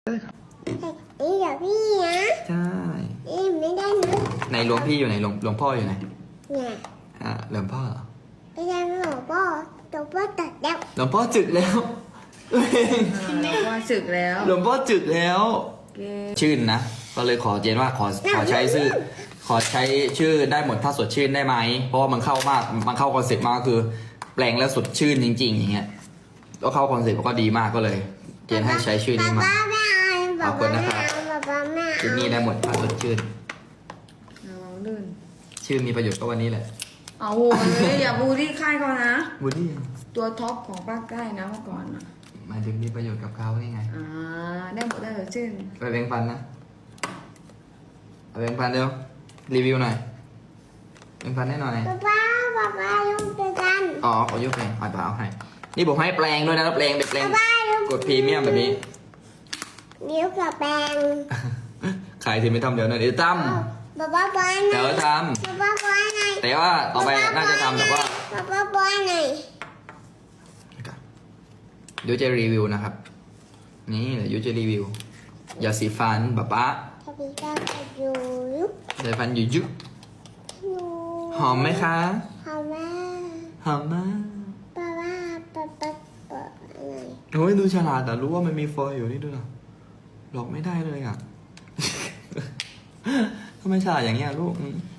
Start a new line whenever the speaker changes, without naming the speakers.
นี่เดี๋ยวพี่นะ
ใช่
นี่ไม่ได้นะ
ในหลวงพี่อยู่ไหนหลวงพ่ออยู่ไหน
เนี่ย
หลวงพ่อเหรอ
ไม่ได้หลวงพ่อตัวพ่อตัดแล้ว
หลวงพ่อจึกแล้ว
หลวงพ่อศึกแล้ว
หลวงพ่อจึกแล้ว
เก
ชื่นนะ ก็เลยขอเจนว่าขอใช้ชื่อได้หมดถ้าสดชื่นได้ไหมเพราะว่ามันเข้ามากมันเข้าคอนเซ็ปต์มากคือ แปลงแล้วสดชื่นจริงๆอย่างเงี้ยก็เข้าคอนเซ็ปต์ก็ดีมากก็เลย เจนให้ใช้ชื่อนี้มา
ป้าไม่เอา
เอาคนนะครับ
ป้าไม่
ชื่อ
เอา
นี้ได้หมดถ้าสดชื่น
ระวังลื่น
ชื่อมีประโยชน์ก็วันนี้แหละ
เอาโหเลยอย่าบูลลี่ค่ายเขานะ
วูดดี้
ตัวท็อปของภาคใต้นะเมื่อก่อนอ่ะ
หมายถึงมีประโยชน์กับเขานี่ไง
ได้หมดได้เลยชื่น
ไปแบ่งปันนะไปแบ่งปันเร็วรีวิวหน่อยแบ่งปันให้หน่อย
ป้ายุ่งกัน
อ๋อขอยกแปลงเอาเปล่าให้นี่ผมให้แปลงด้วยนะแล้วแปลงเป็นแปลง
ป้ายุ่ง
กดพรีเมียมแบบนี้
นิ้วกับแปรง
ขายทีไม่ทำเดี๋ยวหน่อยเดี๋ยวท
ป้าบอย
ำ
หน่
เดี๋ยว
อย
ท
ป้าบอยหน่อย
ำแต่ว่าต่อไปน่าจะทำแบบว่า
ป้าบอยหน่อย
เดี๋ยวจะรีวิวนะครับ นี่เดี๋ยวจะรีวิวยาสีฟันป๊าป๊า
ถ้าพี่ป้าไปอยู่ยุบ
ยาสีฟันยุยุหอมไหมคะ
หอมมาก
หอมมาก
ป้าหน่อย
โอ้ยดูฉลาดแต่รู้ว่ามันมีฟอยล์อยู่นี่ด้วยเหรอหลอกไม่ได้เลยอ่ะ ทำไมฉลาดอย่างเงี้ยลูก